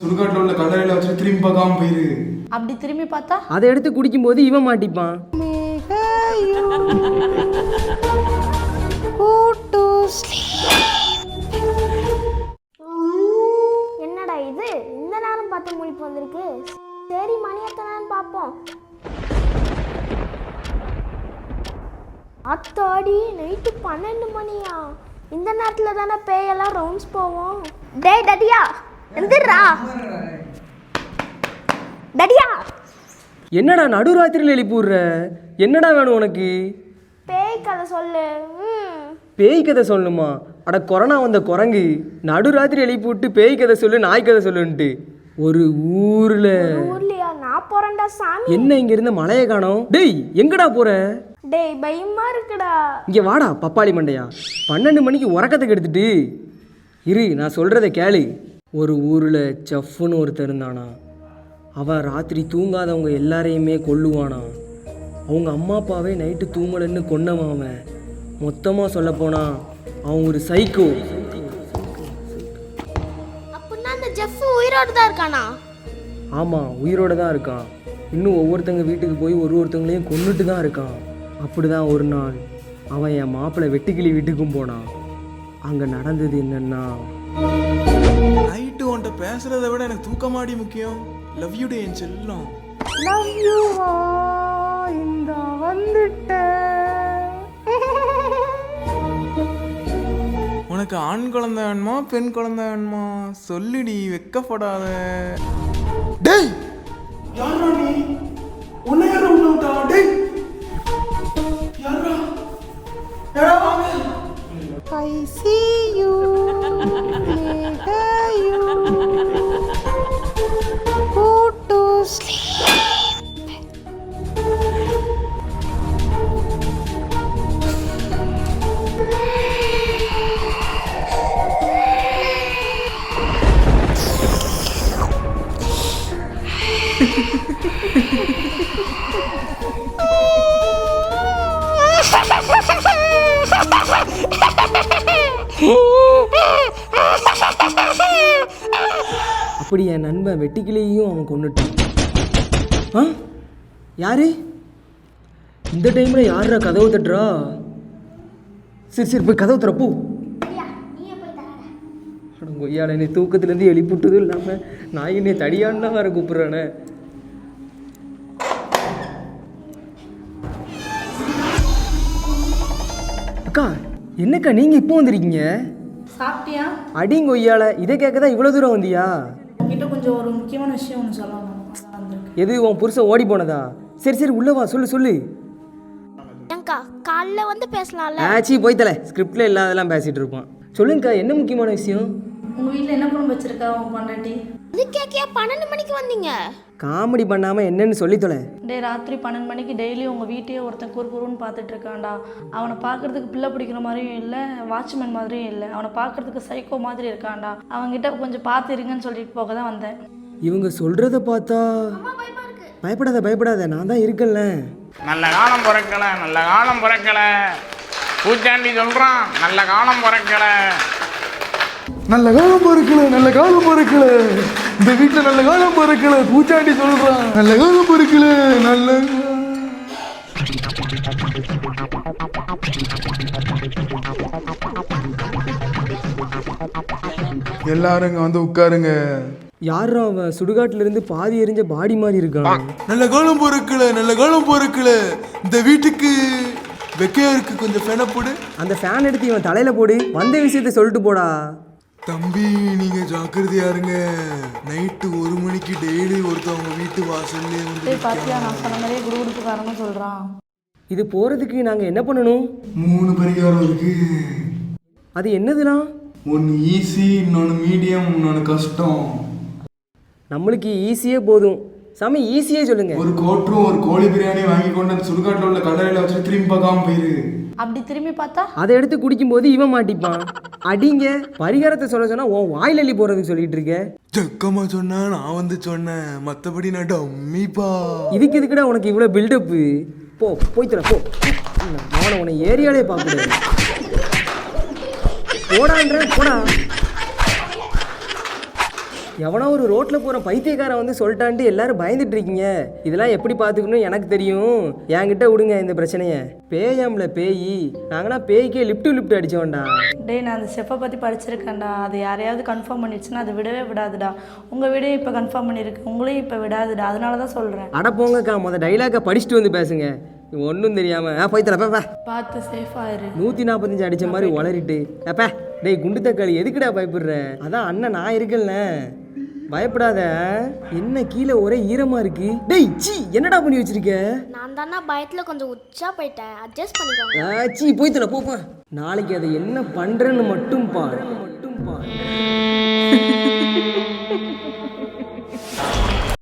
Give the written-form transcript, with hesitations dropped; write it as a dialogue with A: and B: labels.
A: சுடுகாட்டில் உள்ள கல்லறையில வச்சு திரும்பி பார்க்காம போயிரு.
B: அப்படி திரும்பி பார்த்தா
C: அதை எடுத்து குடிக்கும்போது இவன் மாட்டிப்பான்.
D: என்னடா இது இந்த நேரம் பார்த்து முழிப்பு வந்திருக்கு. சரி மணி எத்தனைன்னு பார்ப்போம். அத்தாடி நைட்டு 12 மணியா? இந்த நேரத்தில் தானே பேயெல்லாம் ரவுண்ட்ஸ் போவோம். டேய் டடியா எந்திரா. டடியா
C: என்னடா நடுராத்திரியில் எழுப்பி விடுற? என்னடா வேணும் உனக்கு?
D: பேய் கதை சொல்லு.
C: பேய் கதை சொல்லணுமா? அட கொரோனா வந்த குரங்கு நடுராத்திரி எழுப்பி விட்டு பேய் கதை சொல்லு நாய் கதை சொல்லுன்ட்டு. ஒரு
D: ஊர்லயா? நான் போறேன்டா சாமி.
C: என்ன இங்க இருந்த மலையை காணோம்? டேய் எங்கடா போற?
D: டேய் பயமா இருக்குடா.
C: இங்க வாடா பப்பாளி மண்டையா. 12 மணிக்கு உறக்கத்துக்கு எடுத்துட்டு இரு, நான் சொல்றத கேளு. ஒரு ஊர்ல செஃப்னு ஒருத்தர் இருந்தானா. அவன் ராத்திரி தூங்காதவங்க எல்லாரையுமே கொல்லுவானா. அவங்க அம்மா அப்பாவே நைட்டு தூங்கலன்னு கொன்னவன் அவன். மொத்தமாக சொல்ல போனா அவன் ஒரு சைக்கோ.
D: அப்படின்னா அந்த ஜெஃப் உயிரோட தான் இருக்கானா?
C: ஆமாம், உயிரோட தான் இருக்கான். இன்னும் ஒவ்வொருத்தங்க வீட்டுக்கு போய் ஒருத்தங்களையும் கொன்னுட்டு தான் இருக்கான். அப்படிதான் ஒரு நாள் அவன் என் மாப்பிள்ளை வெட்டுக்கிளி வீட்டுக்கும் போனான். அங்கே நடந்தது என்னன்னா,
A: நைட்டு உன்கிட்ட பேசுறதை விட எனக்கு தூக்கமாடி முக்கியம். லவ் யூ டே என் செல்லம்.
B: லவ் யூ இந்த வந்துட்டேன்.
A: உனக்கு ஆண் குழந்தை வேணுமா பெண் குழந்தை வேணுமா? சொல்லுடி, வெக்கப்படாத. டேய் யாரா நீ? உன்னை யாரா உள்ள விட்டா? டேய் யாரா? யாரா வாங்க.
B: I see you, later you go to sleep.
C: அப்படி என் நண்பன் வெட்டுக்கிளியையும் அவன் கொன்னுட்டான். ஆ யாரு இந்த டைமில் யாரா கதவு தட்டுறா? சரி சரி போய் கதவு திறப்போ. கொய்யால என்னை தூக்கத்துலேருந்து எழுப்பிவிட்டதும் இல்லாமல் நான் என்னை தடியான்னு தான் வேற கூப்பிட்றானே. அக்கா என்னக்கா நீங்கள் இப்போ வந்திருக்கீங்க?
B: சாப்பிட்டியா?
C: அடிங்க கொய்யால இதை கேட்க தான் இவ்வளோ தூரம் வந்தியா?
B: உங்ககிட்ட கொஞ்சம் ஒரு முக்கியமான விஷயம் ஒன்று சொல்லணும்.
C: எது உன் புருஷன் ஓடி போனதா? சரி சரி உள்ள வா, சொல்லு சொல்லு.
D: ஏங்கா காலைல வந்து பேசலாம்ல.
C: ஆச்சி போய் தலை, ஸ்கிரிப்டில் இல்லாதெல்லாம் பேசிகிட்டு இருப்பான். சொல்லுங்கக்கா என்ன முக்கியமான விஷயம்?
B: உங்கள் வீட்டில் என்ன குழம்பு வச்சிருக்கா உங்கள் பொண்டாட்டி?
D: இது கேக்கியா 12 மணிக்கு வந்தீங்க?
C: காமெடி பண்ணாமல் என்னன்னு சொல்லி தொலை.
B: டே ராத்திரி 12 மணிக்கு டெய்லி உங்கள் வீட்டையே ஒருத்தன் குறுன்னு பார்த்துட்டு இருக்கான்டா. அவனை பார்க்கறதுக்கு பிள்ளை பிடிக்கிற மாதிரியும் இல்லை, வாட்ச்மேன் மாதிரியும் இல்லை. அவனை பார்க்கறதுக்கு சைக்கோ மாதிரி இருக்கான்டா. அவங்ககிட்ட கொஞ்சம் பார்த்து இருங்கன்னு சொல்லிட்டு போக தான் வந்தேன்.
C: இவங்க சொல்கிறத பார்த்தா பயப்படாத பயப்படாத, நான் தான் இருக்கல.
E: நல்ல காலம் பிறக்கல, நல்ல காலம் பிறக்கல. பூச்சாண்டி சொல்கிறான் நல்ல காலம் பிறக்கல.
A: நல்ல காலம் பிறக்கல, நல்ல காலம் பிறக்கல. இந்த வீட்டில் நல்ல காலம் பிறக்கல. பூச்சாண்டி சொல்றான் நல்ல காலம் பிறக்கல. நல்ல எல்லாரும் இங்க வந்து உட்காருங்க.
C: யாரும் அவன் சுடுகாட்டிலிருந்து பாதி எரிஞ்ச பாடி மாதிரி இருக்கான்.
A: நல்ல காலம் பிறக்கல, நல்ல காலம் பிறக்கல. இந்த வீட்டுக்கு வெக்கையா இருக்கு, கொஞ்சம் ஃபேனை போடு.
C: அந்த ஃபேன் எடுத்து இவன் தலையில் போடு. வந்த விஷயத்த சொல்லிட்டு போடா.
A: தம்பி நீங்க ஜாக்கிரதையா இருங்க. நைட்டு 1 மணிக்கு டெய்லி ஒருத்தவங்க வீட்டு வாசல்லே வந்து
B: பார்த்தியா, நான் சொன்ன மாதிரியே குடுகுடுப்புக்காரன்னு சொல்கிறான்.
C: இது போகிறதுக்கு நாங்கள் என்ன பண்ணணும்?
A: 3 பரிகாரம் இருக்கு.
C: அது என்னதுலாம்?
A: ஒன்று ஈஸி, இன்னொன்று மீடியம், இன்னொன்று கஷ்டம்.
C: நம்மளுக்கு ஈஸியே போதும் சாமி, ஈஸியே சொல்லுங்க.
A: ஒரு கோட்ரும் ஒரு கோழி பிரியாணி வாங்கி கொண்டு அந்த சுடுகாட்டில் உள்ள கல்லறையில் வச்சு திரும்பி பார்க்காம போயிரு.
B: அப்படி திரும்பி பார்த்தா
C: அதை எடுத்து குடிக்கும்போது இவன் மாட்டிப்பான். அடிங்க பரிகாரத்தை சொல்ல சொன்னா உன் வாயில் அள்ளி போறதுக்கு சொல்லிட்டு இருக்க.
A: ஜக்கமா சொன்னா நான் வந்து சொன்னேன், மற்றபடி நான் டம்மிப்பா.
C: இதுக்கு எதுக்குடா உனக்கு இவ்வளோ பில்டப்பு? போ போய் தர போ. அவனை உன்னை ஏரியாலே பார்க்க போடான்ற போடா. எவனோ ஒரு ரோட்டில் போகிற பைத்தியக்காரன் வந்து சொல்லிட்டான்ட்டு எல்லாரும் பயந்துட்டு இருக்கீங்க. இதெல்லாம் எப்படி பார்த்துக்கணும் எனக்கு தெரியும். என்கிட்ட விடுங்க இந்த பிரச்சனையை. பேயாம்ல பேய், நாங்கன்னா பேய்க்கே லிஃப்ட் அடிச்சோம்டா.
B: டேய் நான் அந்த செஃப்பை பற்றி படிச்சிருக்கேன்டா. அது யாரையாவது கன்ஃபார்ம் பண்ணிடுச்சுன்னா அது விடவே விடாதுடா. உங்கள் வீடையும் இப்போ கன்ஃபார்ம் பண்ணியிருக்கு, உங்களையும் இப்போ விடாதுடா. அதனால தான் சொல்கிறேன்.
C: அட போங்கக்கா, மொதல் டைலாக்கை படிச்சுட்டு வந்து பேசுங்க. ஒன்றும் தெரியாமல் போய் தரப்பா.
B: பார்த்து சேஃபாக இரு.
C: 145 அடித்த மாதிரி வளரிட்டு அப்பா. டேய் குண்டு தக்காளி, எதுக்குடா பயப்படுற? அதான் அண்ணன் நான் இருக்கேன்ல, பயப்படாத. என்ன கீழே ஒரே ஈரமா இருக்கு. டேய் சீ, என்னடா பண்ணி வச்சிருக்க?
D: நான் தானே பயத்தில் கொஞ்சம் உச்சா போயிட்டேன், அட்ஜஸ்ட் பண்ணிக்கோங்க.
C: சீ போய் தர போப்பா. நாளைக்கு அதை என்ன பண்றேன்னு மட்டும் பாரு.